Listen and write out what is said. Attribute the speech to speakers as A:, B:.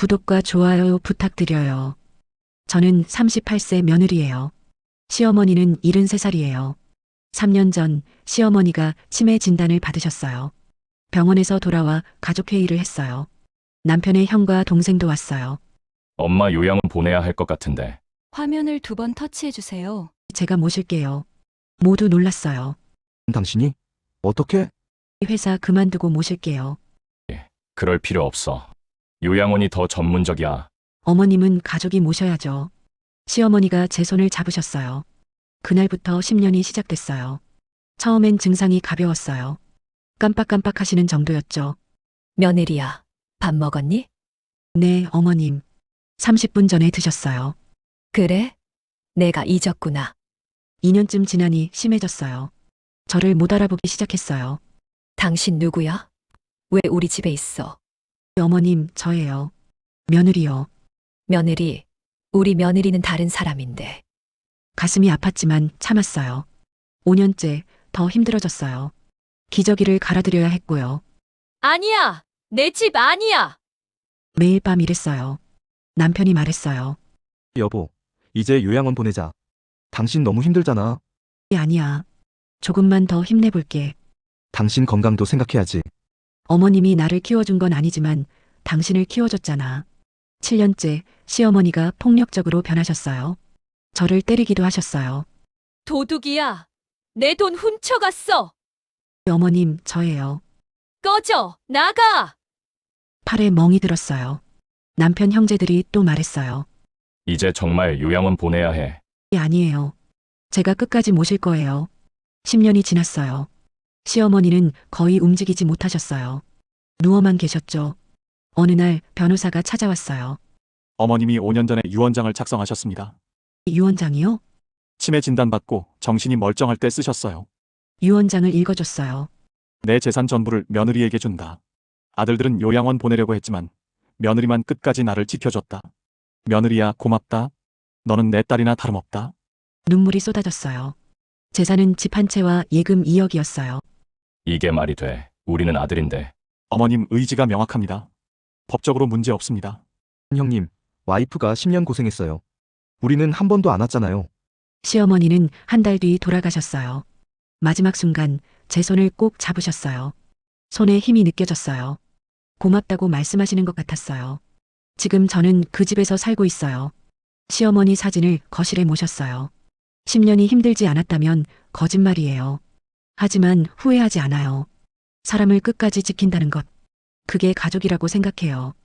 A: 구독과 좋아요 부탁드려요. 저는 38세 며느리예요. 시어머니는 73살이에요. 3년 전 시어머니가 치매 진단을 받으셨어요. 병원에서 돌아와 가족회의를 했어요. 남편의 형과 동생도 왔어요.
B: 엄마 요양원 보내야 할 것 같은데.
C: 화면을 2번 터치해 주세요.
A: 제가 모실게요. 모두 놀랐어요.
D: 당신이? 어떻게?
A: 회사 그만두고 모실게요.
B: 그럴 필요 없어. 요양원이 더 전문적이야.
A: 어머님은 가족이 모셔야죠. 시어머니가 제 손을 잡으셨어요. 그날부터 10년이 시작됐어요. 처음엔 증상이 가벼웠어요. 깜빡깜빡 하시는 정도였죠.
C: 며느리야, 밥 먹었니?
A: 네, 어머님. 30분 전에 드셨어요.
C: 그래? 내가 잊었구나.
A: 2년쯤 지나니 심해졌어요. 저를 못 알아보기 시작했어요.
C: 당신 누구야? 왜 우리 집에 있어?
A: 어머님, 저예요. 며느리요.
C: 며느리, 우리 며느리는 다른 사람인데.
A: 가슴이 아팠지만 참았어요. 5년째 더 힘들어졌어요. 기저귀를 갈아드려야 했고요.
C: 아니야! 내 집 아니야!
A: 매일 밤 일했어요. 남편이 말했어요.
D: 여보, 이제 요양원 보내자. 당신 너무 힘들잖아.
A: 아니야. 조금만 더 힘내볼게.
D: 당신 건강도 생각해야지.
A: 어머님이 나를 키워준 건 아니지만 당신을 키워줬잖아. 7년째 시어머니가 폭력적으로 변하셨어요. 저를 때리기도 하셨어요.
C: 도둑이야! 내 돈 훔쳐갔어!
A: 어머님, 저예요.
C: 꺼져! 나가!
A: 팔에 멍이 들었어요. 남편 형제들이 또 말했어요.
B: 이제 정말 요양원 보내야 해.
A: 아니에요. 제가 끝까지 모실 거예요. 10년이 지났어요. 시어머니는 거의 움직이지 못하셨어요. 누워만 계셨죠. 어느 날 변호사가 찾아왔어요.
E: 어머님이 5년 전에 유언장을 작성하셨습니다.
A: 유언장이요?
E: 치매 진단받고 정신이 멀쩡할 때 쓰셨어요.
A: 유언장을 읽어줬어요.
E: 내 재산 전부를 며느리에게 준다. 아들들은 요양원 보내려고 했지만 며느리만 끝까지 나를 지켜줬다. 며느리야, 고맙다. 너는 내 딸이나 다름없다.
A: 눈물이 쏟아졌어요. 재산은 집 한 채와 예금 2억이었어요.
B: 이게 말이 돼. 우리는 아들인데.
E: 어머님 의지가 명확합니다. 법적으로 문제 없습니다.
D: 형님, 와이프가 10년 고생했어요. 우리는 한 번도 안 왔잖아요.
A: 시어머니는 한 달 뒤 돌아가셨어요. 마지막 순간 제 손을 꼭 잡으셨어요. 손에 힘이 느껴졌어요. 고맙다고 말씀하시는 것 같았어요. 지금 저는 그 집에서 살고 있어요. 시어머니 사진을 거실에 모셨어요. 10년이 힘들지 않았다면 거짓말이에요. 하지만 후회하지 않아요. 사람을 끝까지 지킨다는 것. 그게 가족이라고 생각해요.